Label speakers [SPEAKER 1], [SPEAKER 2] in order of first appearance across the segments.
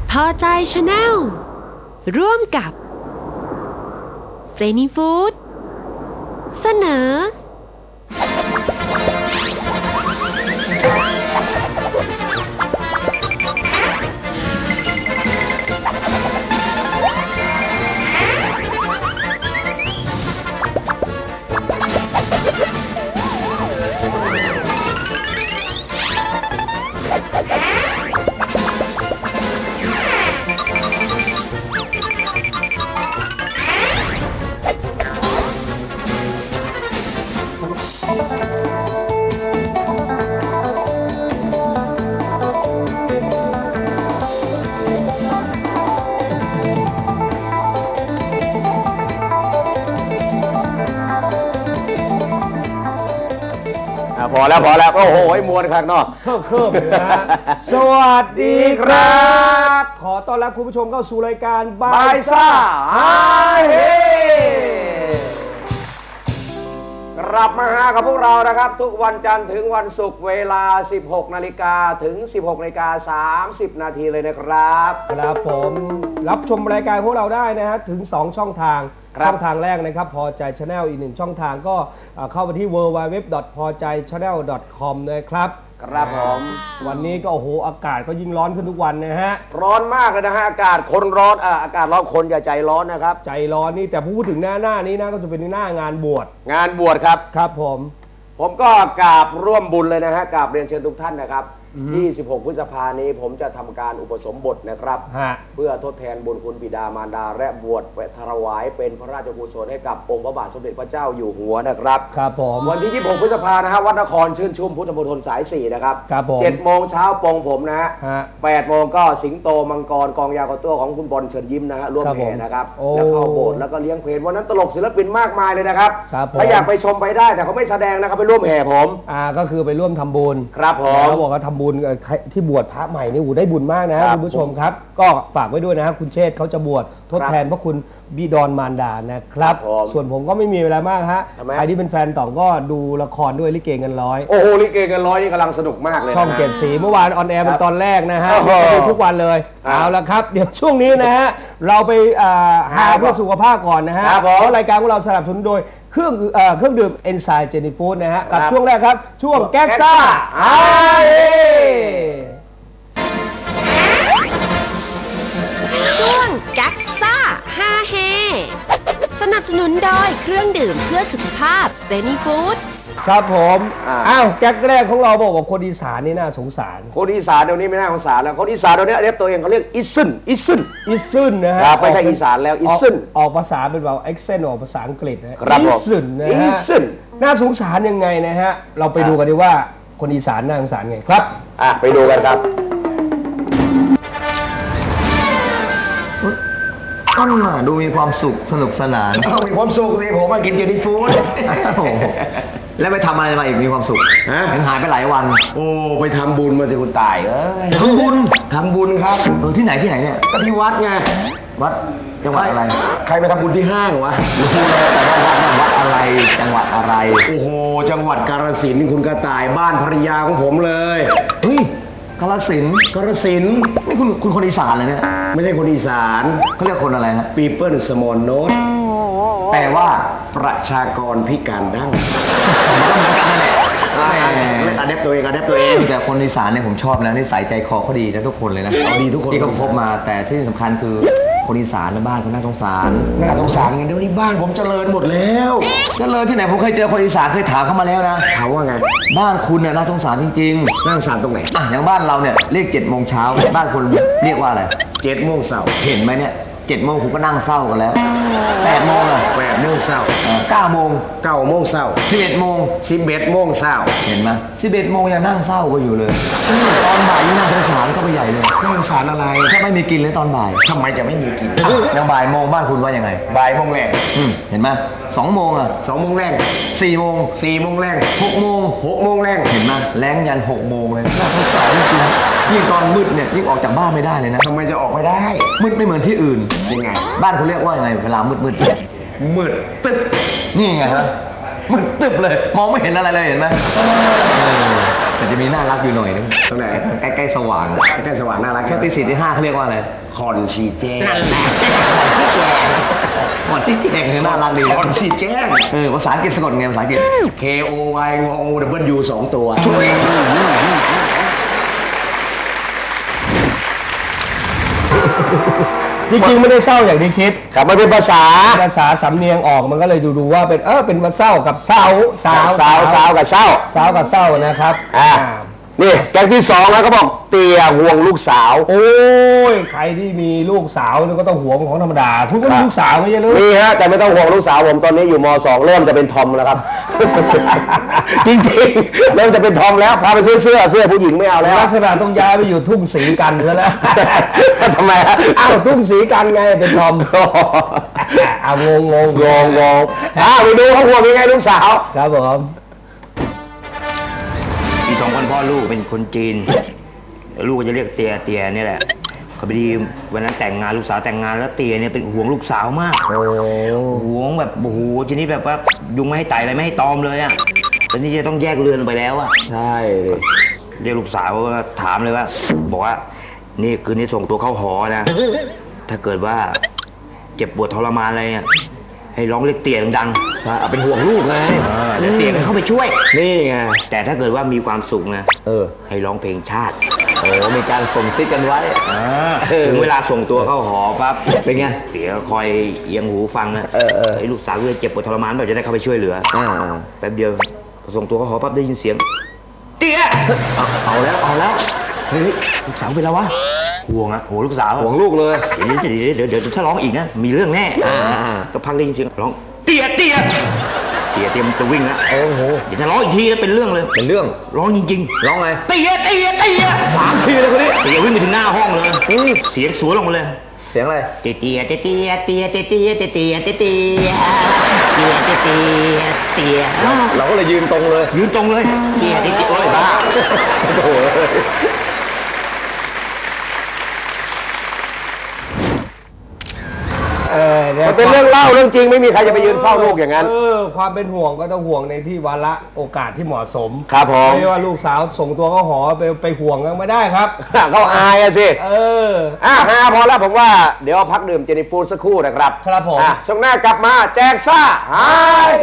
[SPEAKER 1] พอใจชาแนลร่วมกับเจนี่ฟู้ดเสนอ
[SPEAKER 2] พอแล้วโอ้โหมวนครับเนาะ
[SPEAKER 3] เคิบนะฮะสวัสดีครับขอต้อนรับคุณผู้ชมเข้าสู่รายการบายซ่าฮาเฮ
[SPEAKER 2] กลับมาหากับพวกเรานะครับทุกวันจันทร์ถึงวันศุกร์เวลา 16 นาฬิกาถึง 16 นาฬิกา 30 นาทีเลยนะครับ
[SPEAKER 3] ครับผมรับชมรายการพวกเราได้นะฮะถึง2ช่องทางช่องทางแรกนะครับพอใจ Channel อีก1ช่องทางก็เข้าไปที่ www.pojaichannel.com นะครับ
[SPEAKER 2] ครับผม
[SPEAKER 3] วันนี้ก็โอ้โหอากาศก็ยิ่งร้อนขึ้นทุกวันนะฮะ
[SPEAKER 2] ร้อนมากเลยนะฮะอากาศคนร้อนอากาศร้อนคนอย่าใจร้อนนะครับ
[SPEAKER 3] ใจร้อนนี่แต่พูดถึงหน้านี้นะก็จะเป็นหน้างานบวช
[SPEAKER 2] ครับ
[SPEAKER 3] ครับผม
[SPEAKER 2] ก็กราบร่วมบุญเลยนะฮะกราบเรียนเชิญทุกท่านนะครับ26 พฤษภาคมนี้ผมจะทำการอุปสมบทนะครับเพื่อทดแทนบุญคุณบิดามารดาและบวชถวายเป็นพระราชกุศลให้กับองค์พระบาทสมเด็จพระเจ้าอยู่หัวนะครับ
[SPEAKER 3] ครับผม
[SPEAKER 2] วันที่26 พฤษภาคมนะฮะวัดนครชื่นชุ่มพุทธมณฑลสาย4นะครับ
[SPEAKER 3] ครับผม
[SPEAKER 2] 7 โมงเช้าปงผมนะฮะ8 โมงก็สิงโตมังกรกองยาวกระตัวของคุณบอลเชิญยิ้มนะฮะร่วมแห่นะครับแล้วเข้าโบสถ์แล้วก็เลี้ยงเพลงวันนั้นตลกศิลปินมากมายเลยนะครับถ้าอยากไปชมไปได้แต่เขาไม่แสดงนะครับไปร่วมแห่ผม
[SPEAKER 3] ก็คือไปร่วมทำบุญ
[SPEAKER 2] ครับผม
[SPEAKER 3] แล้วบอกว่าทำบุญที่บวชพระใหม่นี่ได้บุญมากนะคุณผู้ชมครับก็ฝากไว้ด้วยนะครับคุณเชษฐ์เขาจะบวชทดแทนพระคุณบิดรมารดานะครับส่วนผมก็ไม่มีเวลามากฮะใครที่เป็นแฟนต่องก็ดูละครด้วยลิเกเงินร้อย
[SPEAKER 2] โอ้โหลิเกเงินร้อยนี่กำลังสนุกมากเลย
[SPEAKER 3] ช่อง7 สีเมื่อวานออนแอร์เป็นตอนแรกนะฮะดูทุกวันเลยเอาละครับเดี๋ยวช่วงนี้นะฮะเราไปหาเพื่อสุขภาพก่อนนะฮะเพราะรายการของเราสนับสนุนโดยเครื่องดื่มเอนไซม์เจนี่ฟู้ดนะฮะกับช่วงแรกครับช่วงแก๊กซ่าฮาเฮ
[SPEAKER 1] ช่วงแก๊กซ่าฮาเฮสนับสนุนโดยเครื่องดื่มเพื่อสุขภาพเจนี่ฟู้ด
[SPEAKER 3] ครับผมแก๊กแรกของเราบอกว่าคนอีสานนี่น่าสงสาร
[SPEAKER 2] คนอีสานเดี๋ยวนี้ไม่น่าสงสารแล้วคนอีสานเดี๋ยวนี้เรียกตัวเองเขาเรียกอิซึน
[SPEAKER 3] นะฮะ
[SPEAKER 2] ไม่ใช่อีสานแล้วอิซึน
[SPEAKER 3] ออกภาษาเป็นแบบเอ็กเซนต์ออกภาษาอังกฤษนะ
[SPEAKER 2] อิซึน
[SPEAKER 3] นะฮะน่าสงสารยังไงนะฮะเราไปดูกันดีว่าคนอีสานน่าสงสารไงครับ
[SPEAKER 2] ไปดูกันครับ
[SPEAKER 4] ดูมีความสุขสนุกสนาน
[SPEAKER 2] มีความสุขสิผมมากินเจนี่ฟู้ด
[SPEAKER 4] แล้วไปทำอะไรมาอีกมีความสุขยังหายไปหลายวัน
[SPEAKER 2] โอ้ไปทำบุญมาสิคุณตาย
[SPEAKER 4] ทำบุญ
[SPEAKER 2] ครับ
[SPEAKER 4] ที่ไหนเนี่ย
[SPEAKER 2] ก็ที่วัดไง
[SPEAKER 4] วัดจังหวัดอะไร
[SPEAKER 2] ใครไปทำบุญที่ห้างวะ
[SPEAKER 4] รู้แล้วแต่ว่าวัดอะไรจังหวัดอะไร
[SPEAKER 2] โอ้โหจังหวัดกาฬสินธุ์คุณกระต่ายบ้านภรรยาของผมเลย
[SPEAKER 4] เฮ้ยกาฬสินธุ์นี่คุณคนอีสานเลยเนี่ย
[SPEAKER 2] ไม่ใช่คนอีสาน
[SPEAKER 4] เขาเรียกคนอะไรฮะ
[SPEAKER 2] People Small Note
[SPEAKER 4] แปลว่า
[SPEAKER 2] ประชากรพิการดั้ง
[SPEAKER 4] อันเด็บตัวเองแต่คนอีสานเนี่ยผมชอบนะนิสัยใจคอเขาดีนะทุกคนเลยนะ
[SPEAKER 2] ดีทุกคน
[SPEAKER 4] ที่เขาพบมาแต่ที่สำคัญคือคนอีสานในบ้านเขาน่าสงสาร
[SPEAKER 2] ไงเดี๋ยวนี้บ้านผมเจริญหมดแล้ว
[SPEAKER 4] เจริญที่ไหนผมเคยเจอคนอีสานเคยถามเขามาแล้วนะ
[SPEAKER 2] ถามว่าไง
[SPEAKER 4] บ้านคุณเนี่ยน่าสงสารจริง
[SPEAKER 2] ๆน่าสงสารตรงไหน
[SPEAKER 4] อย่างบ้านเราเนี่ยเรียก7 โมงเช้าบ้านคุณเรียกว่าอะไร
[SPEAKER 2] 7 โมงเช้า
[SPEAKER 4] เห็นไหมเนี่ย7 โมงผมก็นั่งเศร้ากันแล้ว8 โมง
[SPEAKER 2] 8 โมงเช้า
[SPEAKER 4] 9 โมง
[SPEAKER 2] 9 โมงเช้า
[SPEAKER 4] 11 โมง
[SPEAKER 2] 11 โมงเช้า
[SPEAKER 4] เห็นไหม11 โมงยังนั่งเศร้าก็อยู่เลยตอนบ่ายยิ่งน่าสงสารก็ไปใหญ่เลย
[SPEAKER 2] น่าสงสารอะไร
[SPEAKER 4] ถ้าไม่มีกินเลยตอนบ่าย
[SPEAKER 2] ทำไมจะไม่มีกิน
[SPEAKER 4] อย่างบ่ายโมงบ้านคุณว่ายังไง
[SPEAKER 2] บ่ายโมงแรก
[SPEAKER 4] เห็นไหม2 โมง
[SPEAKER 2] 2 โมงแรก
[SPEAKER 4] 4 โมง
[SPEAKER 2] 4 โมงแรก
[SPEAKER 4] 6 โมง
[SPEAKER 2] 6 โมงแรก
[SPEAKER 4] เห็นไหมแรงยัน6 โมงเลยน่าสงสารจริงยิ่งตอนมืดเนี่ยยิ่งออกจากบ้านไม่ได้เลยนะ
[SPEAKER 2] ทำไมจะออกไม่ได้
[SPEAKER 4] มืดไม่เหมือนที่อื่น
[SPEAKER 2] ยังไง
[SPEAKER 4] บ้านคุณเรียกว่ายังไงเวลามืด
[SPEAKER 2] ตึ๊บ
[SPEAKER 4] นี่ไงฮะมืดตึ๊บเลยมองไม่เห็นอะไรเลยเห็นไหมแต่จะมีน่ารักอยู่หน่อยนึง
[SPEAKER 2] ตรงไหน
[SPEAKER 4] ใกล้ๆสว่าง
[SPEAKER 2] ใกล้สว่างน่ารัก
[SPEAKER 4] ถ้าตีสี่ตีห้าเขาเรียกว่าอะไร
[SPEAKER 2] คอนชีแจ้ง
[SPEAKER 4] นั่นแหละก่อนที่แดงคือน่ารักดี
[SPEAKER 2] คอนชีแจ้ง
[SPEAKER 4] ภาษาอังกฤษสะกดไงภาษาอังกฤษ
[SPEAKER 2] K O Y งอ W 2 ตัว
[SPEAKER 3] จริงๆไม่ได้เศร้าอย่างที่คิด
[SPEAKER 2] ครับมันเป็นภาษา
[SPEAKER 3] ภาษาสำเนียงออกมันก็เลยดูว่าเป็นเป็นมาเศร้ากับเศร้า
[SPEAKER 2] สาวกับเศร้า
[SPEAKER 3] สาวกับเศร้านะครับ
[SPEAKER 2] นี่แก๊งที่2แล้วก็บอกเตียห่วงลูกสาว
[SPEAKER 3] โอ้ยใครที่มีลูกสาวนี่ก็ต้องห่วงของธรรมดาทุกคนมีลูกสาวไม่ใช่หรือ
[SPEAKER 2] มีฮะแต่ไม่ต้องห่วงลูกสาวผมตอนนี้อยู่ม2เริ่มจะเป็นทอมแล้วครับ จริงๆเริ่มจะเป็นทอมแล้วพาไปซื้อเสื้อผู้หญิงไม่เอาแล้ว
[SPEAKER 3] ลักษณะต้องย้ายไปอยู่ทุ่งสีกันซะแล้ว
[SPEAKER 2] ทำไมฮะ
[SPEAKER 3] อ้าวทุ่งสีกันไงเป็นทอมงง
[SPEAKER 2] ไปดูเขาห่วงยังไงลูกสาว
[SPEAKER 3] ครับผม
[SPEAKER 5] มี2 คนพ่อลูกเป็นคนจีน ลูกก็จะเรียกเตียนี่แหละเขาพอดีวันนั้นแต่งงานลูกสาวแต่งงานแล้วเตียเนี่ยเป็นห่วงลูกสาวมากห่วงแบบโอ้โหชนิดแบบว่ายุงไม่ให้ไต่อะไรไม่ให้ตอมเลยอ่ะแล้วนี่จะต้องแยกเรือนไปแล้วอ่ะ
[SPEAKER 2] ใช่เลย
[SPEAKER 5] เรียกลูกสาวก็ถามเลยว่า บอกว่านี่คืนนี้ส่งตัวเข้าหอนะถ้าเกิดว่าเจ็บปวดทรมานอะไรอ่ะให้ร้องเรียกเตียดังๆ
[SPEAKER 2] ใช่เอาเป็นห่วงลูกไง
[SPEAKER 5] แล้วเตียเข้าไปช่วย
[SPEAKER 2] นี่ไง
[SPEAKER 5] แต่ถ้าเกิดว่ามีความสุขนะ
[SPEAKER 2] เออ
[SPEAKER 5] ให้ร้องเพลงชาติ
[SPEAKER 2] มีการส่งซิกกันไว้
[SPEAKER 5] ถึงเวลาส่งตัวเข้าหอปั๊บ
[SPEAKER 2] เป็นไง
[SPEAKER 5] เดี๋ยวคอยเอียงหูฟังนะ ไอ้ลูกสาวเจ็บปวดทรมานแบบจะได้เข้าไปช่วยเหลือแป๊บเดียวส่งตัวเข้าหอปั๊บได้ยินเสียงเตี้ยเอาแล้วเฮ้ยลูกสาวเป็นแล้ววะห่วงอะโหลูกสาว
[SPEAKER 2] ห่วงลูกเลย
[SPEAKER 5] เดี๋ยวถ้าร้องอีกนะมีเรื่องแน่ก็พักได้ยินเสียงร้องเตี้ยมันจะวิ่งแล้ว
[SPEAKER 2] โอ้โห
[SPEAKER 5] เดี๋ยวจะร้องอีกทีแล้วเป็นเรื่องเลย
[SPEAKER 2] เป็นเรื่อง
[SPEAKER 5] ร้องจริงๆ
[SPEAKER 2] ร้องไง
[SPEAKER 5] เตี้ย3 ทีเลยคนนี้เตี้ยวิ่งไปถึงหน้าห้องเลยเสียงสวนลงมาเลย
[SPEAKER 2] เสียงอะไร
[SPEAKER 5] เตี้ย
[SPEAKER 2] เราก็เลยยืนตรงเลย
[SPEAKER 5] ยืนตรงเลยเตี้ยโอ้ยบ้า
[SPEAKER 2] โอ้โหมันเป็นเรื่องเล่าเรื่องจริงไม่มีใครจะไปยืนเฝ้าลูกอย่างนั้น
[SPEAKER 3] ความเป็นห่วงก็ต้องห่วงในที่วาระโอกาสที่เหมาะสม
[SPEAKER 2] ครับผม
[SPEAKER 3] ไม่ว่าลูกสาวส่งตัวเข้าหอไปห่วงกันไม่ได้ครับ
[SPEAKER 2] เขาอายอะสิ
[SPEAKER 3] ฮา
[SPEAKER 2] พอแล้วผมว่าเดี๋ยวพักดื่มเจนิฟูดสักครู่นะครับ
[SPEAKER 3] ครับผม
[SPEAKER 2] ช่วงหน้ากลับมาแจกซ่าฮาเฮ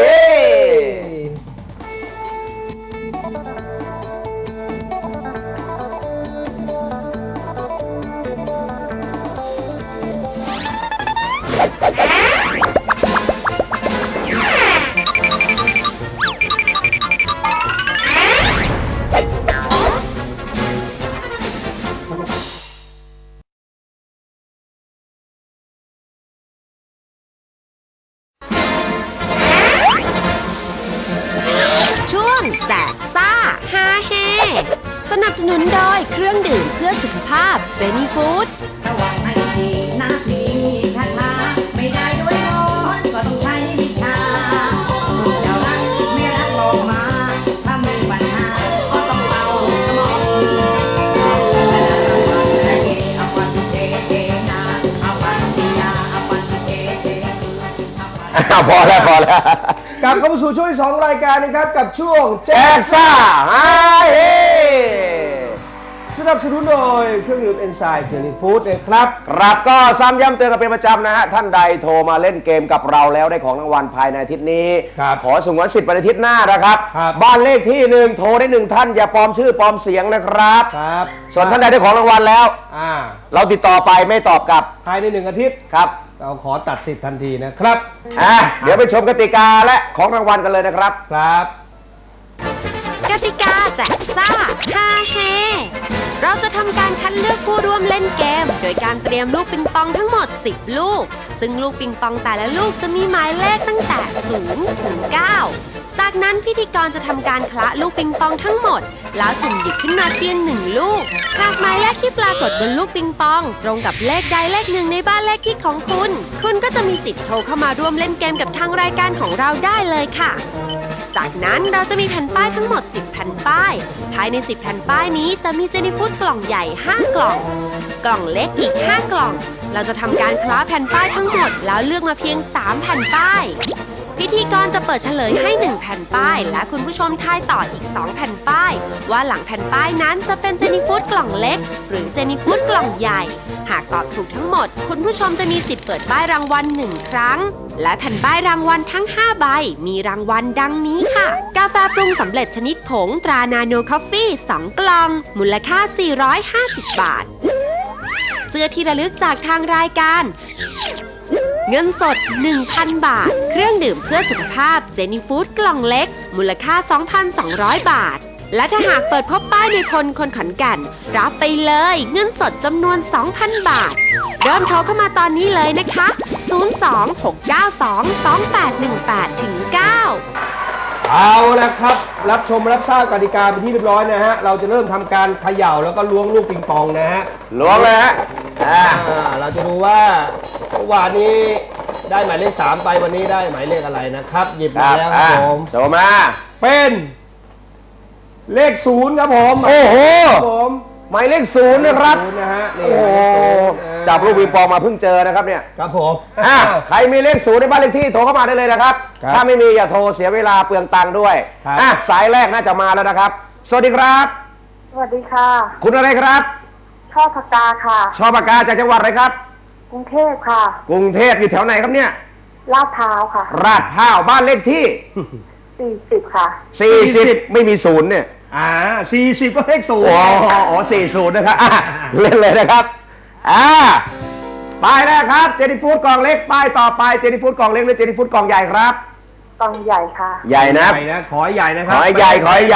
[SPEAKER 1] ช่วงแจกซ่าฮาเฮสนับสนุนโดยเครื่องดื่มเพื่อสุขภาพเซนีฟู้ด
[SPEAKER 6] ระวังให้ดีนักดีคาถาไม่ได้ด้วยมนต์ก็ต้องใช้วิชาจะรักไม่รักบอกมาถ้ามีปัญหาก็ต้องเอาสมองเอาปันเจเจนาเอาปันติยาเอาปันเจเจ
[SPEAKER 2] พอแล้ว
[SPEAKER 3] กลับเข้ามาสู่ช่วงที่2รายการนะครับกับช่วงแจ
[SPEAKER 2] แจ
[SPEAKER 3] ก
[SPEAKER 2] กซ่าฮาเฮ
[SPEAKER 3] สนับสนุนโดยเครื่องดื่มเอนไซม์เจนี่ฟู้ดนะครับ
[SPEAKER 2] ครับก็ซ้ำย้ำเตือนกันเป็นประจำนะฮะท่านใดโทรมาเล่นเกมกับเราแล้วได้ของรางวัลภายในอาทิตย์นี้
[SPEAKER 3] ครับ
[SPEAKER 2] ขอสงวนสิทธิ์วันอาทิตย์หน้านะครับ
[SPEAKER 3] ครับ
[SPEAKER 2] บ้านเลขที่1โทรได้1ท่านอย่าปลอมชื่อปลอมเสียงนะครับ
[SPEAKER 3] ครับ
[SPEAKER 2] ส่วนท่านใดได้ของรางวัลแล้ว เราติดต่อไปไม่ตอบกลับ
[SPEAKER 3] ภายใน1 อาทิตย์
[SPEAKER 2] ครับ
[SPEAKER 3] เราขอตัดสิทธิ์ทันทีนะครับ
[SPEAKER 2] เดี๋ยวไปชมกติกาและของรางวัลกันเลยนะครับ
[SPEAKER 3] ครับ
[SPEAKER 1] กติกาแจกซ่าฮาเฮเราจะทำการคัดเลือกผู้ร่วมเล่นเกม โดยการเตรียมลูกปิงปองทั้งหมด 10 ลูก ซึ่งลูกปิงปองแต่ละลูกจะมีหมายเลขตั้งแต่0 ถึง 9 จากนั้นพิธีกรจะทำการคละลูกปิงปองทั้งหมด แล้วสุ่มหยิบขึ้นมาเพียง1 ลูก หากหมายเลขที่ปรากฏบนลูกปิงปอง ตรงกับเลขใดเลขหนึ่งในบ้านเลขที่ของคุณ คุณก็จะมีสิทธิ์โทรเข้ามาร่วมเล่นเกมกับทางรายการของเราได้เลยค่ะ จากนั้นเราจะมีแผ่นป้ายทั้งหมด 10 แผ่นป้าย ภายใน 10 แผ่นป้ายนี้จะมีเจนี่ฟู้ดกล่องใหญ่ 5 กล่อง กล่องเล็กอีก 5 กล่อง เราจะทำการคล้าแผ่นป้ายทั้งหมดแล้วเลือกมาเพียง 3 แผ่นป้ายพิธีกรจะเปิดเฉลยให้1แผ่นป้ายและคุณผู้ชมทายต่ออีก2แผ่นป้ายว่าหลังแผ่นป้ายนั้นจะเป็นเจนี่ฟู้ดกล่องเล็กหรือเจนี่ฟู้ดกล่องใหญ่หากตอบถูกทั้งหมดคุณผู้ชมจะมีสิทธิ์เปิดป้ายรางวัล1ครั้งและแผ่นป้ายรางวัลทั้ง5ใบมีรางวัลดังนี้ค่ะกาแฟปรุงสำเร็จชนิดผงตรานาโนคอฟฟี่2กล่องมูลค่า450 บาทเสื้อที่ระลึกจากทางรายการเงินสด 1,000 บาทเครื่องดื่มเพื่อสุขภาพเจนี่ฟู้ดกล่องเล็กมูลค่า 2,200 บาทและถ้าหากเปิดพบป้ายในคนขอนแก่นรับไปเลยเงินสดจำนวน 2,000 บาทเริ่มโทรเข้ามาตอนนี้เลยนะคะ 026922818ถึง9
[SPEAKER 3] เอาละครับรับชมรับทราบกติกาเป็นที่เรียบร้อยนะฮะเราจะเริ่มทำการเขย่าแล้วก็ล้วงลูกปิงปองนะฮะ
[SPEAKER 2] ล้วงเลยฮะ
[SPEAKER 3] เราจะดูว่าเมื่อวานนี้ได้หมายเลข3ไปวันนี้ได้หมายเลขอะไรนะครับหยิบมาแล้วครับผม
[SPEAKER 2] โชว์มา
[SPEAKER 3] เป็นเลข0ครับผม
[SPEAKER 2] โอ้โห
[SPEAKER 3] ผม
[SPEAKER 2] หมายเลข0นะครับ
[SPEAKER 3] นะฮะนี่
[SPEAKER 2] โอ้โหจับลูกปิงปองมาเพิ่งเจอนะครับเนี่ย
[SPEAKER 3] ครับผม
[SPEAKER 2] ใครมีเลข0ในบ้านเลขที่โทรเข้ามาได้เลยนะครับถ้าไม่มีอย่าโทรเสียเวลาเปลืองตังค์ด้วยสายแรกน่าจะมาแล้วนะครับสวัสดีครับ
[SPEAKER 7] สวัสดีค่ะ
[SPEAKER 2] คุณอะไรครับ
[SPEAKER 7] ช่อปากกาค่ะ
[SPEAKER 2] ช่อปากกาจากจังหวัดอะไรครับ
[SPEAKER 7] กรุงเทพค่ะ
[SPEAKER 2] กรุงเทพอยู่แถวไหนครับเนี่ย
[SPEAKER 7] ลาดพร้าวค่ะ
[SPEAKER 2] ลาดพร้าวบ้านเลขที่
[SPEAKER 7] 40ค่ะ
[SPEAKER 2] 40ไม่มี0เนี่ย
[SPEAKER 3] 40ก็เลข0
[SPEAKER 2] อ๋อ40นะครับเล่นเลยนะครับป้ายแรกครับเจนี่ฟู้ดกล่องเล็กป้ายต่อไปเจนี่ฟู้ดกล่องเล็กหรือเจนี่ฟู้ดกล่องใหญ่ครับ
[SPEAKER 7] กล่องใหญ่ค่ะ
[SPEAKER 2] ใหญ่นะ
[SPEAKER 3] ขอใหญ่นะครับ
[SPEAKER 2] ขอใหญ่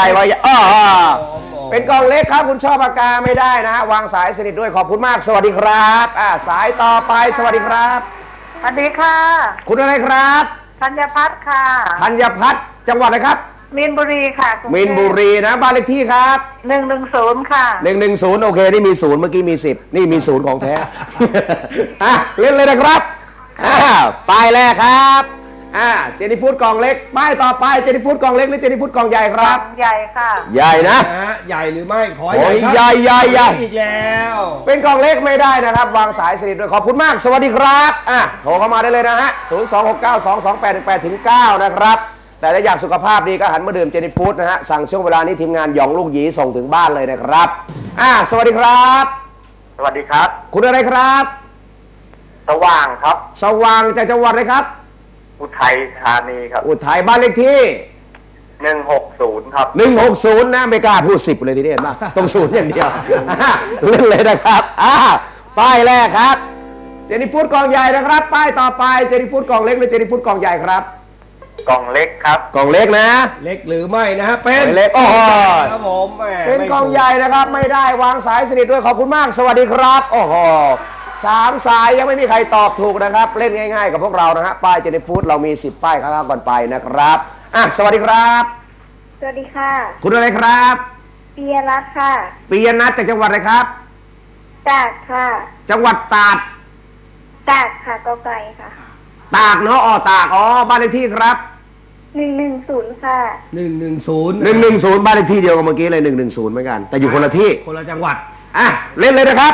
[SPEAKER 2] เป็นกล่องเล็กครับคุณชอบปากกาไม่ได้นะฮะวางสายสนิทด้วยขอบคุณมากสวัสดีครับสายต่อไปสวัสดีครับ
[SPEAKER 7] สวัสดีค่ะ
[SPEAKER 2] คุณอะไรครับ
[SPEAKER 7] ธัญพัฒน์ค่ะ
[SPEAKER 2] ธัญพัฒน์จังหวัดอะไรครับ
[SPEAKER 7] มีนบุรีค่ะ
[SPEAKER 2] มีนบุรีนะบ้านเลขที่ครับ
[SPEAKER 7] 110ค่ะ
[SPEAKER 2] 110โอเคนี่มี0เมื่อกี้มี10นี่มี0ของแท้เล่นเลยนะครับป้ายแรกครับเจนี่ฟู้ดกล่องเล็กป้ายต่อไปเจนี่ฟู้ดกล่องเล็กหรือเจนี่ฟู้ดกล่องใหญ่ครับ
[SPEAKER 7] ใหญ่ค่ะ
[SPEAKER 2] ใหญ่นะ
[SPEAKER 3] ใหญ่หรือไม่ขอ
[SPEAKER 2] ใหญ่ใหญ่
[SPEAKER 3] อีกแล้ว
[SPEAKER 2] เป็นกล่องเล็กไม่ได้นะครับวางสายสนิทด้วยขอบคุณมากสวัสดีครับโทรเข้ามาได้เลยนะฮะ026922818ถึง9นะครับแต่ถ้าอยากสุขภาพดีก็หันมาดื่มเจนี่ฟู้ดนะฮะสั่งช่วงเวลานี้ทีมงานหยองลูกหยีส่งถึงบ้านเลยนะครับสวัสดีครับ
[SPEAKER 8] สวัสดีครับ
[SPEAKER 2] คุณอะไรครับ
[SPEAKER 8] สว่างครับ
[SPEAKER 2] สว่างจากจังหวัดอะไรครับ
[SPEAKER 8] อุทัยธานีครับ
[SPEAKER 2] อุทัยบ้านเลขที่
[SPEAKER 8] 160ครับ
[SPEAKER 2] 160นะไม่กล้าพูด10เลยทีนี้เห็นป่ะต้อง0อย่างเดียวเล่นเลยนะครับป้ายแรกครับเจนี่ฟู้ดกล่องใหญ่นะครับป้ายต่อไปเจนี่ฟู้ดกล่องเล็กหรือเจนี่ฟู้ดกล่องใหญ่ครับ
[SPEAKER 8] กล่องเล็กครับ
[SPEAKER 2] กล่องเล็กนะ
[SPEAKER 3] เล็กหรือไม่นะฮะเป็น
[SPEAKER 2] เล็ก
[SPEAKER 3] ครับผม
[SPEAKER 2] เป็นกล่องใหญ่นะครับไม่ได้วางสายสนิทด้วยขอบคุณมากสวัสดีครับโอ้โห3 สายยังไม่มีใครตอบถูกนะครับเล่นง่ายๆกับพวกเรานะฮะป้ายเจนี่ฟู้ดเรามี10ป้ายข้างๆก่อนไปนะครับสวัสดีครับ
[SPEAKER 7] สวัสดีค่ะ
[SPEAKER 2] คุณอะไรครับ
[SPEAKER 7] ปิยรัตน์ค่ะ
[SPEAKER 2] ปิยนัทจากจังหวัดอะไรครับ
[SPEAKER 7] ตากค่ะ
[SPEAKER 2] จังหวัดตาก
[SPEAKER 7] ค่ะกไก่ค่ะ
[SPEAKER 2] ตากเนาะตากบ้านเลขที่ครับ
[SPEAKER 7] 110ค่ะ
[SPEAKER 2] 110บ้านเลขที่เดียวกับเมื่อกี้เลย110เหมือนกันแต่อยู่คนละที่
[SPEAKER 3] คนละจังหวัด
[SPEAKER 2] เล่นเลยนะครับ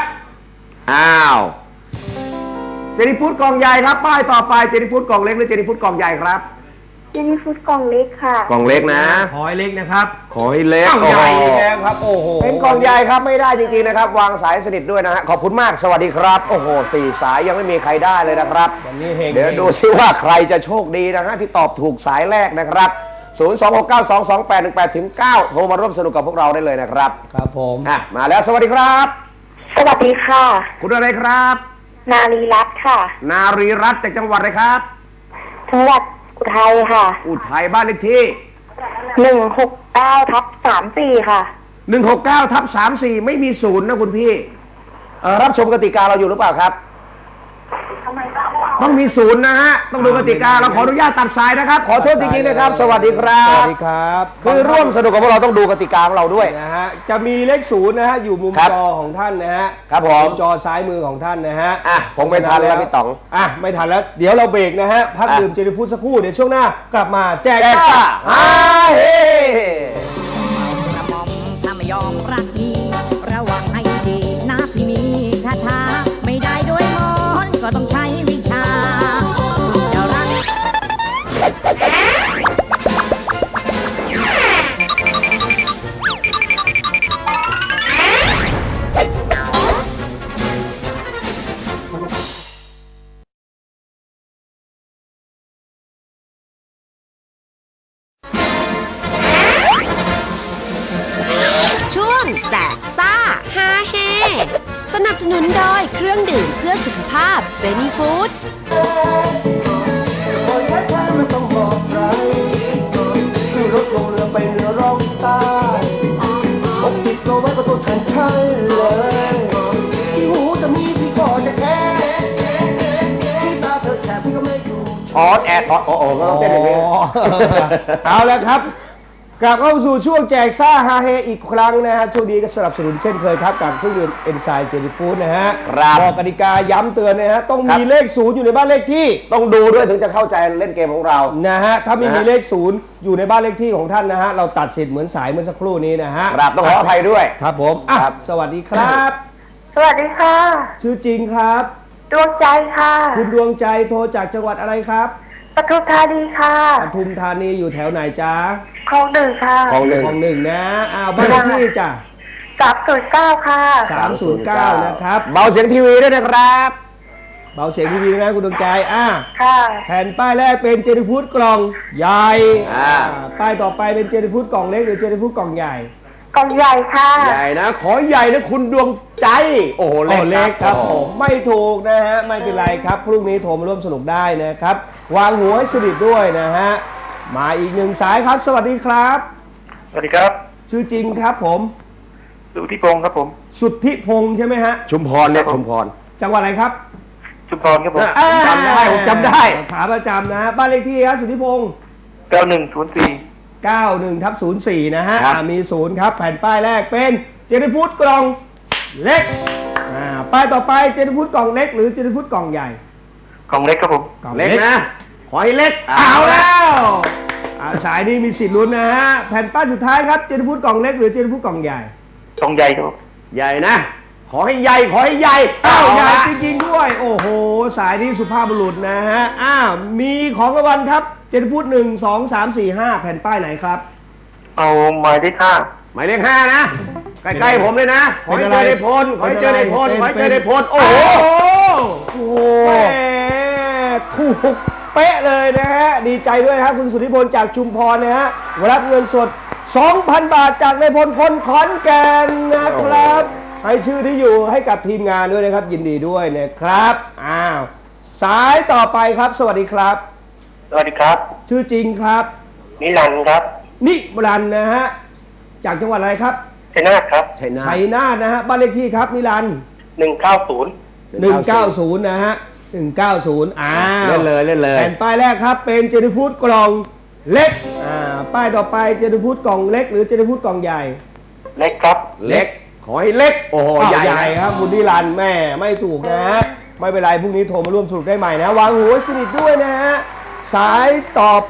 [SPEAKER 2] เจนี่ฟู้ดกล่องใหญ่ครับป้ายต่อไปเจนี่ฟู้ดกล่องเล็กหรือเจนี่ฟู้ดกล่องใหญ่ครับ
[SPEAKER 7] เจนี่ฟู้ดกล่องเล็กค่ะ
[SPEAKER 2] กล่องเล็กนะ
[SPEAKER 3] ขอให้เล็กนะครับ
[SPEAKER 2] ขอให้เล็ก
[SPEAKER 3] ใหญ่แล้วครับโอ้โห
[SPEAKER 2] เป็นกล่องใหญ่ครับไม่ได้จริงๆนะครับวางสายสนิทด้วยนะฮะขอบคุณมากสวัสดีครับโอ้โห4 สายยังไม่มีใครได้เลยนะครับ
[SPEAKER 3] วันนี้เดี๋
[SPEAKER 2] ยวดูซิว่าใครจะโชคดีนะฮะที่ตอบถูกสายแรกนะครับ026922818ถึง9โทรมาร่วมสนุกกับพวกเราได้เลยนะครับ
[SPEAKER 3] ครับผม
[SPEAKER 2] มาแล้วสวัสดีครับ
[SPEAKER 7] สวัสดีค่ะ
[SPEAKER 2] คุณอะไรครับ
[SPEAKER 7] นารีรัตน์ค่ะ
[SPEAKER 2] นารีรัตน์จากจังหวัดอะไรครับ
[SPEAKER 7] จังหวัดอุทัยค่ะ
[SPEAKER 2] อุทัยบ้านเลขที่
[SPEAKER 7] 169/34ค่ะ
[SPEAKER 2] 169/34ไม่มี0นะคุณพี่รับชมกติกาเราอยู่หรือเปล่าครับต้องมี0นะฮะต้องดูกติกาเราขออนุญาตตัดสายนะครับขอโทษจริงๆนะครับสวัสดีครับ
[SPEAKER 3] สวัสดีครับ
[SPEAKER 2] คือร่วมสนุกกับพวกเราต้องดูกติกาของเราด้วย
[SPEAKER 3] นะฮะจะมีเลข0นะฮะอยู่มุมจอของท่านนะฮะ
[SPEAKER 2] ครับผม
[SPEAKER 3] จอซ้ายมือของท่านนะฮะ
[SPEAKER 2] ผมไม่ทันแล้วพี่ต๋อง
[SPEAKER 3] ไม่ทันแล้วเดี๋ยวเราเบรกนะฮะพักดื่มเจนี่ฟู้ดสักครู่เดี๋ยวช่วงหน้ากลับมาแจกซ่า
[SPEAKER 6] เฮ้กระหม่อมถ้าไม่ยอมรักพี่ระวังให้ดีนะพี่มีคาถาไม่ได้ด้วยมนต์ก็ต้องใช้วิชาจะรัก
[SPEAKER 1] สนับสนุนโดยเครื่องดื่มเพื่อสุขภาพเซนีฟู้ด
[SPEAKER 2] ออดแอดโอ้ก็ต้องเต้นอย่างนี้
[SPEAKER 3] เอาแล้วครับกลับเข้าสู่ช่วงแจกซ่าฮาเฮอีกครั้งนะฮะช่วงนี้ก็สนับสนุนเช่นเคยครับกับเครื่องดื่มเอนไซม์เจนิฟูดนะฮะ
[SPEAKER 2] ครับ
[SPEAKER 3] บอกกติกาย้ำเตือนนะฮะต้องมีเลขศูนย์อยู่ในบ้านเลขที่
[SPEAKER 2] ต้องดูด้วยถึงจะเข้าใจเล่นเกมของเรา
[SPEAKER 3] นะฮะถ้าไม่มีเลขศูนย์อยู่ในบ้านเลขที่ของท่านนะฮะเราตัดสิทธิ์เหมือนสายเมื่อสักครู่นี้นะฮะ
[SPEAKER 2] ครับต้องขออภัยด้วย
[SPEAKER 3] ครับผมอ่ะ
[SPEAKER 2] ครับ
[SPEAKER 3] สวัสดีครับ
[SPEAKER 7] สวัสดีค่ะ
[SPEAKER 3] ชื่อจริงครับ
[SPEAKER 7] ดวงใจค่ะ
[SPEAKER 3] คุณดวงใจโทรจากจังหวัดอะไรครับ
[SPEAKER 7] ปทุมธานีค่ะ
[SPEAKER 3] ปทุมธานีอยู่แถวไหนจ๊ะ
[SPEAKER 7] คลองหนึ่งค่ะ
[SPEAKER 2] คลองหนึ่ง
[SPEAKER 3] ของหนึ่งนะอ้าวบ้านเลขที่จ้ะ
[SPEAKER 7] 309ค่ะ
[SPEAKER 3] 309นะครับ
[SPEAKER 2] เบาเสียงทีวีด้วยนะครับ
[SPEAKER 3] เบาเสียงทีวีนะคุณดวงใจ
[SPEAKER 7] ค่ะ
[SPEAKER 3] แผ่นป้ายแรกเป็นเจนิฟูดกล่องใหญ่ ป้ายต่อไปเป็นเจนิฟูดกล่องเล็กหรือเจนิฟูดกล่องใหญ่
[SPEAKER 7] กล่องใหญ่ค่ะ
[SPEAKER 2] ใหญ่นะ ขอใหญ่นะคุณดวงใจ โอ้โห
[SPEAKER 3] เล็กครับ
[SPEAKER 2] โอ้โห
[SPEAKER 3] ผมไม่ถูกนะฮะไม่เป็นไรครับพรุ่งนี้โทรมาร่วมสนุกได้นะครับ วางหัวให้สนิทด้วยนะฮะมาอีกหนึ่งสายครับ สวัสดีครับ
[SPEAKER 8] สวัสดีครับ
[SPEAKER 3] ชื่อจริงครับผม
[SPEAKER 8] สุทธิพงศ์ครับผม
[SPEAKER 3] สุทธิพงษ์ใช่ไหมฮะ
[SPEAKER 2] ชุมพรเนี่ยชุมพร
[SPEAKER 3] จังหวัดอะไรครับ
[SPEAKER 8] ชุมพรครับผม
[SPEAKER 2] ผมจำได้ผมจำได้
[SPEAKER 3] ขาประจำนะฮะบ้านเลขที่ครับสุทธิพงษ์
[SPEAKER 8] 9104
[SPEAKER 3] 91/04นะฮะ
[SPEAKER 2] ครับ
[SPEAKER 3] มี0ครับแผ่นป้ายแรกเป็นเจนิฟูดกล่องเล็กป้ายต่อไปเจนิฟูดกล่องเล็กหรือเจนิฟูดกล่องใหญ่
[SPEAKER 8] กล่องเล็กครับผม
[SPEAKER 3] กล่อง
[SPEAKER 2] เล็กนะ ขอให้เล็ก
[SPEAKER 3] เอาแล้วสายนี้มีสิทธิ์ลุ้นนะฮะแผ่นป้ายสุดท้ายครับเจนิฟูดกล่องเล็กหรือเจนิฟูดกล่องใหญ่
[SPEAKER 8] กล่องใหญ่ครับผม
[SPEAKER 2] ใหญ่นะ ขอให้ใหญ่ ขอให้ใหญ่
[SPEAKER 3] ใหญ่จริงๆด้วย โอ้โหสายนี้สุภาพบุรุษนะฮะมีของรางวัลครับเจนิฟูด1 2 3 4 5แผ่นป้ายไหนครับ
[SPEAKER 8] เอาหมายเลข5
[SPEAKER 2] หมายเลข5นะ ใกล้ๆผมเลยนะ ขอให้เจอในพล ขอให้เจอในพล ขอให้เจอในพล โอ้โห
[SPEAKER 3] โอ้โหถูกเป๊ะเลยนะฮะ ดีใจด้วยครับคุณสุทธิพลจากชุมพรนะฮะรับเงินสด 2,000 บาทจากในพลคนขอนแก่นนะครับ ให้ชื่อที่อยู่ให้กับทีมงานด้วยนะครับ ยินดีด้วยนะครับ สายต่อไปครับ สวัสดีครับ
[SPEAKER 8] สวัสดีครับ
[SPEAKER 3] ชื่อจริงครับ
[SPEAKER 8] นิรันดร์ครับ
[SPEAKER 3] นิรันดร์นะฮะ จากจังหวัดอะไรครับ
[SPEAKER 8] ชัยนาทครับ
[SPEAKER 2] ชัยนาท
[SPEAKER 3] ชัยนาทนะฮะ บ้านเลขที่ครับนิรันดร์
[SPEAKER 8] 190
[SPEAKER 3] 190 นะฮะ 190
[SPEAKER 2] เล่นเลยเล่นเลย
[SPEAKER 3] แผ่นป้ายแรกครับเป็นเจนิฟูดกล่องเล็กป้ายต่อไปเจนิฟูดกล่องเล็กหรือเจนิฟูดกล่องใหญ่
[SPEAKER 8] เล็กครับ
[SPEAKER 2] เล็ก ขอให้เล็ก โอ้โห ใหญ่
[SPEAKER 3] ใหญ่ครับคุณนิรันดร์แม่ไม่ถูกนะฮะไม่เป็นไรพรุ่งนี้โทรมาร่วมสนุกได้ใหม่นะวางหัวสนิทด้วยนะฮะสายต่อไป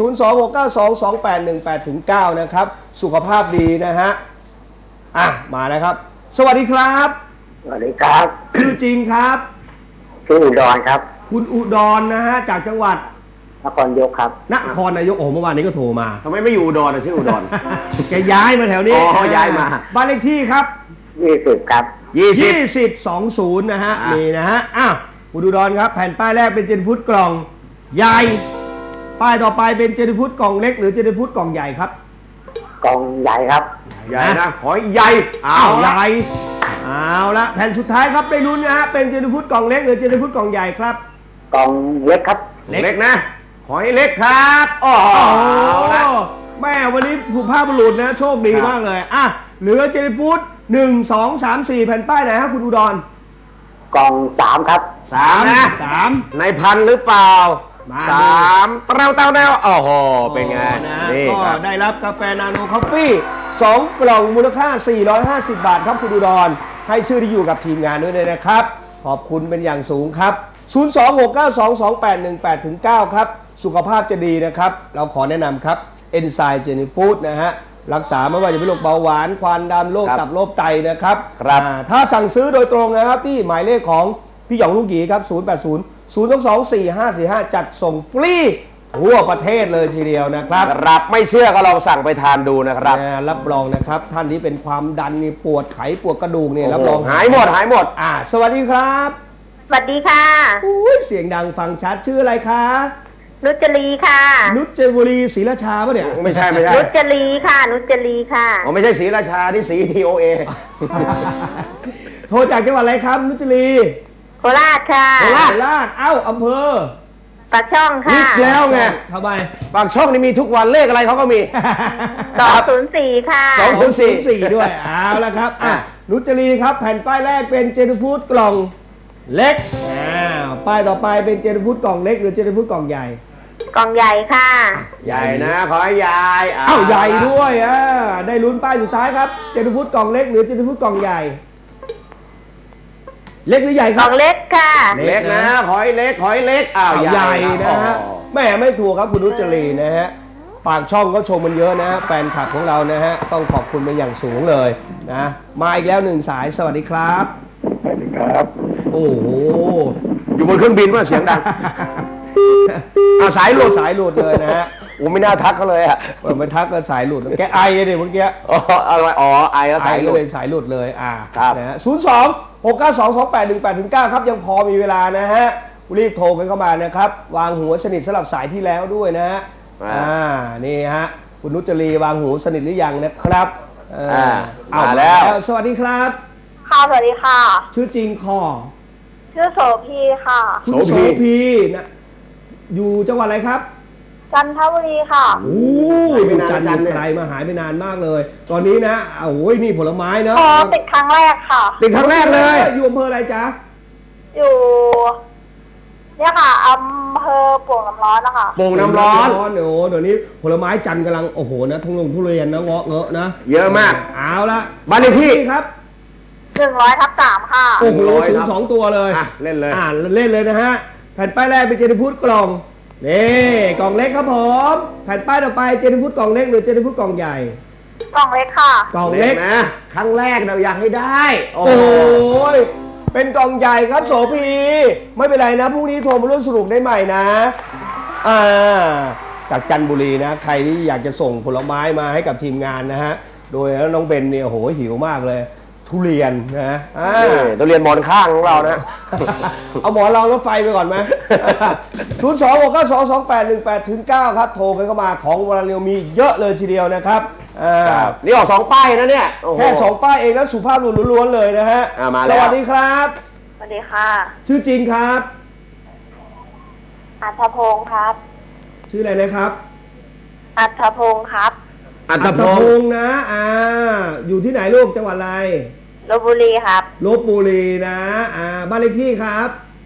[SPEAKER 3] 026922818-9 นะครับ สุขภาพดีนะฮะมาแล้วครับ สวัสดีครับ
[SPEAKER 8] สวัสดีครับ
[SPEAKER 3] ชื่อจริงครับ
[SPEAKER 8] ชื่ออุดรครับ
[SPEAKER 3] คุณอุดรนะฮะจากจังหวัด
[SPEAKER 8] นครยกครับ
[SPEAKER 3] นครนายกโอ้เมื่อวานนี้ก็โทรมา
[SPEAKER 2] ทำไมไม่อยู่อุดรชื่ออุดร
[SPEAKER 3] แกย้ายมาแถวนี้
[SPEAKER 2] อ๋อย้ายมา
[SPEAKER 3] บ้านเลขที่ครับ
[SPEAKER 8] 20 ครับ
[SPEAKER 3] 2020นะฮะนี่นะฮะคุณอุดรครับแผ่นป้ายแรกเป็นเจนิฟูดกล่องใหญ่ป้ายต่อไปเป็นเจนิฟูดกล่องเล็กหรือเจนิฟูดกล่องใหญ่ครับ
[SPEAKER 8] กล่องใหญ่ครับ
[SPEAKER 2] ใหญ่นะ ขอให้ใหญ่
[SPEAKER 3] ใหญ่เอาละแผ่นสุดท้ายครับได้ลุ้นนะฮะเป็นเจนิฟูดกล่องเล็กหรือเจนิฟูดกล่องใหญ่ครับ
[SPEAKER 8] กล่องเล็กครับ
[SPEAKER 2] เล็กนะ ขอให้เล็กครับโอ้โหเอาละ
[SPEAKER 3] แม่วันนี้สุภาพบุรุษนะโชคดีมากเลยเหลือเจนิฟูด1 2 3 4แผ่นป้ายไหนครับคุณอุดร
[SPEAKER 8] กล่อง3ครับ
[SPEAKER 2] 3 นะ
[SPEAKER 3] 3
[SPEAKER 2] ในพันหรือเปล่า
[SPEAKER 3] มา
[SPEAKER 2] 3 เต้าแนวโอ้โห เป็นไง นี่
[SPEAKER 3] ก็
[SPEAKER 2] ครับ
[SPEAKER 3] ได้รับกาแฟนาโนคอฟฟี่2 กล่องมูลค่า 450 บาทครับคุณอุดรให้ชื่อที่อยู่กับทีมงานด้วยนะครับ ขอบคุณเป็นอย่างสูงครับ 026922818-9 ครับ สุขภาพจะดีนะครับ เราขอแนะนำครับเอนไซม์เจนิฟูดนะฮะรักษาไม่ว่าจะเป็นโรคเบาหวานความดันโรคตับโรคไตนะครับถ้าสั่งซื้อโดยตรงนะครับที่หมายเลขของพี่หยองลูกหยีครับ 080-022-4545 จัดส่งฟรีทั่วประเทศเลยทีเดียวนะครับ
[SPEAKER 2] รับไม่เชื่อก็ลองสั่งไปทานดูนะครับ
[SPEAKER 3] รับรองนะครับท่านที่เป็นความดันนี่ปวดไขปวดกระดูกนี่รับรอง
[SPEAKER 2] หายหมด
[SPEAKER 3] สวัสดีครับ
[SPEAKER 7] สวัสดีค่ะ
[SPEAKER 3] อุ้ยเสียงดังฟังชัดชื่ออะไรคะ
[SPEAKER 7] นุชจรีค่ะ
[SPEAKER 3] นุชเจบุรีศรีราชาปะเนี่ย
[SPEAKER 2] ไม่ใช่ไม่ใช่
[SPEAKER 7] นุชจรีค่ะ นุชจรีค่ะ
[SPEAKER 2] อ๋อไม่ใช่ศรีราชานี่ศรี TOA
[SPEAKER 3] โทรจากจังหวัดอะไรครับ นุชจรี
[SPEAKER 7] โคราชค่ะ
[SPEAKER 3] โคราชเอ้าอำเภอ
[SPEAKER 7] ปากช่องค่ะ
[SPEAKER 2] นิดแล้วไง
[SPEAKER 3] ทำไม
[SPEAKER 2] บางช่องนี่มีทุกวันเลขอะไรเขาก็มี
[SPEAKER 7] 204ค่ะ
[SPEAKER 3] 204ด้วยเอาละครับนุชจรีครับแผ่นป้ายแรกเป็นเจนฟูดกล่องเล็กป้ายต่อไปเป็นเจนฟูดกล่องเล็กหรือเจนฟูดกล่องใหญ่
[SPEAKER 7] กล่องใหญ่ค่ะ
[SPEAKER 2] ใหญ่นะ ขอให้ยาย
[SPEAKER 3] เอ้าใหญ่ด้วยได้ลุ้นป้ายสุดท้ายครับเจนฟูดกล่องเล็กหรือเจนฟูดกล่องใหญ่ เล็กหรือใหญ่ค
[SPEAKER 7] ก
[SPEAKER 3] รั
[SPEAKER 7] ล่
[SPEAKER 3] บ
[SPEAKER 7] องเล็กค่ะ
[SPEAKER 2] เล็กนะ ขอให้เล็ก ขอให้เล็ก อ้าว
[SPEAKER 3] ใหญ่นะฮะ
[SPEAKER 2] อ๋อ
[SPEAKER 3] แม่ไม่ถูกครับคุณนุชจรีนะฮะปากช่องก็ชมมันเยอะนะฮะแฟนคลับของเรานะฮะต้องขอบคุณเป็นอย่างสูงเลยนะมาอีกแล้วหนึ่งสายสวัสดีครับ
[SPEAKER 8] สวัสดีครับ
[SPEAKER 3] โอ้โห
[SPEAKER 2] อยู่บนเครื่องบินว่าเสียงดัง เอาสายหลุด
[SPEAKER 3] สายหลุดเลยนะฮะ
[SPEAKER 2] โอ้ไม่น่าทักเขาเลยอ่ะ
[SPEAKER 3] มันทักกันสายหลุดแกไอเลยเมื่อกี้
[SPEAKER 2] อ๋ออะไรอ๋อไอแล้วสายหลุด
[SPEAKER 3] เลยสายหลุดเลย
[SPEAKER 2] ครับ
[SPEAKER 3] นะฮะ02-692-2818-9ครับยังพอมีเวลานะฮะรีบโทรกันเข้ามานะครับวางหัวสนิทสำหรับสายที่แล้วด้วยนะฮะนี่ฮะคุณนุชจรีวางหูสนิทหรือยังนะครับ
[SPEAKER 2] มาแล้ว
[SPEAKER 3] สวัสดีครับ
[SPEAKER 7] ค่ะ สวัสดีค่ะ
[SPEAKER 3] ชื่อจริงคอ
[SPEAKER 7] ชื่อโสพีค่ะ
[SPEAKER 3] คุณโสพีนะอยู่จังหวัดอะไรครับ
[SPEAKER 7] จันทบุรีค่ะ
[SPEAKER 3] โอ้ยอยู่จันทร์อยู่ไกลมาหายไปนานมากเลย ตอนนี้นะโอ้ยนี่ผลไม้เนาะ
[SPEAKER 7] ติดครั้งแรกค่ะ
[SPEAKER 3] ติดครั้งแรกเลยอยู่อำเภออะไรจ๊ะ
[SPEAKER 7] อยู่เนี่ยค่ะอำเภอโป่งน้ำร้อนนะคะ
[SPEAKER 2] โป่งน้ำร้อน
[SPEAKER 3] โอ้เดี๋ยวนี้ผลไม้จันทร์กำลังโอ้โหนะทุเรียนนะเงาะนะ
[SPEAKER 2] เยอะมาก
[SPEAKER 3] เอาละ
[SPEAKER 2] บ้านเลขที่
[SPEAKER 3] ครับ
[SPEAKER 7] 100/3ค่ะ
[SPEAKER 3] โอ้โห
[SPEAKER 2] 100
[SPEAKER 3] ถึง2 ตัวเลย
[SPEAKER 2] เล่นเลย
[SPEAKER 3] เล่นเลยนะฮะแผ่นป้ายแรกเป็นเจนฟูดกล่องนี่กล่องเล็กครับผมแผ่นป้ายต่อไปเจนฟูดกล่องเล็กหรือเจนฟูดกล่องใหญ่
[SPEAKER 7] กล่องเล็กค่ะ
[SPEAKER 3] กล่องเล็ก
[SPEAKER 2] นะ ครั้งแรกเราอยากให้ได้
[SPEAKER 3] โอ้โหเป็นกล่องใหญ่ครับโสพีไม่เป็นไรนะพรุ่งนี้โทรมาร่วมสนุกได้ใหม่นะจากจันทบุรีนะใครที่อยากจะส่งผลไม้มาให้กับทีมงานนะฮะโดยน้องเบนเนี่ยโหหิวมากเลยทุเรียนนะ
[SPEAKER 2] ทุเรียนหมอนข้างของเรานะ
[SPEAKER 3] เอาหมอนรองรถไฟไปก่อนไหม 026922818-9 ครับโทรกันเข้ามาของวลาเรียวมีเยอะเลยทีเดียวนะครับ
[SPEAKER 2] นี่ออก2 ป้ายนะเนี่ย
[SPEAKER 3] แค่2 ป้ายเองแล้วสุภาพบุรุษล้วนๆเลยนะฮะ
[SPEAKER 2] มาแล้ว
[SPEAKER 3] สวัสดีครับ
[SPEAKER 7] สวัสดีค่ะ
[SPEAKER 3] ชื่อจริงครับ
[SPEAKER 7] อัธพงศ์ครับ
[SPEAKER 3] ชื่ออะไรนะครับ
[SPEAKER 7] อัธพงศ์ครับ
[SPEAKER 2] อัต
[SPEAKER 3] พ
[SPEAKER 2] พง
[SPEAKER 3] งศ์นะอยู่ที่ไหนลูกจังหวัดอะไร
[SPEAKER 7] ลพบุรีครับ
[SPEAKER 3] ลพบุรีนะบ้านเลขที่ครับ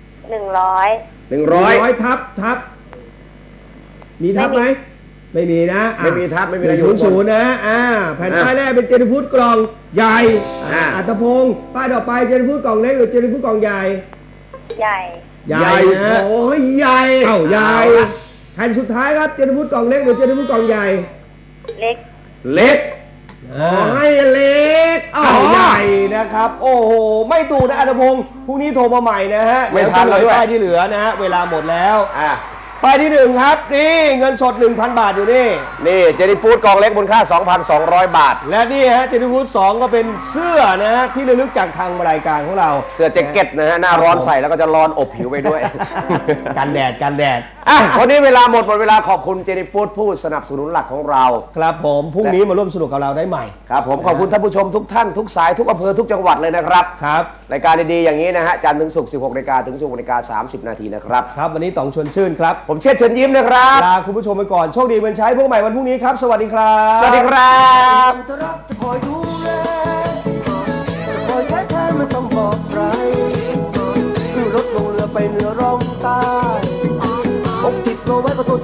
[SPEAKER 7] 100
[SPEAKER 3] ทับมีทับไหมไม่มีนะ
[SPEAKER 2] ไม่มีทับไม่มีอะไร
[SPEAKER 3] 0นะแผ่นป้ายแรกเป็นเจนฟูดกล่องใหญ่อัตพงศ์ป้ายต่อไปเจนฟูดกล่องเล็กหรือเจนฟูดกล่องใหญ่
[SPEAKER 7] ใหญ่
[SPEAKER 3] ใหญ่นะ
[SPEAKER 2] โอ้ยใหญ่
[SPEAKER 3] ใหญ่แผ่นสุดท้ายครับเจนฟูดกล่องเล็กหรือเจนฟูดกล่องใหญ่
[SPEAKER 7] เล็ก
[SPEAKER 2] เล็ก
[SPEAKER 3] ให้เล็กใหญ่นะครับ โอ้โหไม่ถูกนะอัตพงศ์พรุ่งนี้โทรมาใหม่นะฮะ
[SPEAKER 2] ไม่ทันแล้วด้วย
[SPEAKER 3] ป้ายที่เหลือนะฮะเวลาหมดแล้ว
[SPEAKER 2] อ่ะ
[SPEAKER 3] ป้ายที่1ครับนี่เงินสด 1,000 บาทอยู่นี่
[SPEAKER 2] นี่เจนี่ฟู้ดกองเล็กมูลค่า 2,200 บาท
[SPEAKER 3] และนี่ฮะเจนิฟูด2ก็เป็นเสื้อนะฮะที่ระลึกจากทางรายการของเรา
[SPEAKER 2] เสื้อแจ็คเก็ตนะฮะหน้าร้อนใส่แล้วก็จะร้อนอบผิวไปด้วย
[SPEAKER 3] กันแดด
[SPEAKER 2] อ่ะวันนี้เวลาหมดเวลาขอบคุณเจนี่ฟู้ดผู้สนับสนุนหลักของเรา
[SPEAKER 3] ครับผมพรุ่งนี้มาร่วมสนุกกับเราได้ใหม่
[SPEAKER 2] ครับผมขอบคุณท่านผู้ชมทุกท่านทุกสายทุกอำเภอทุกจังหวัดเลยนะครับ
[SPEAKER 3] ครับ
[SPEAKER 2] รายการดีๆอย่างนี้นะฮะจันทร์ถึงศุกร์ 16 นาฬิกาถึง 16 นาฬิกา 30 นาทีนะครับ
[SPEAKER 3] ครับวันนี้ต๋องชวนชื่นครับ
[SPEAKER 2] ผมเชษฐ์เชิญยิ้มนะครับ
[SPEAKER 3] ลาคุณผู้ชมไปก่อนโชคดีวันใช้พวกใหม่วันพรุ่งนี้ครับสวัสดีครับ
[SPEAKER 2] สวัสดีครับ
[SPEAKER 3] จะรักจะคอยดูแลจะคอยแค่แทนไม่ต้องบอกใครขึ้นรถลงเรือไปเหนือร่องใต้อกติดตัวไว้ก็ตัว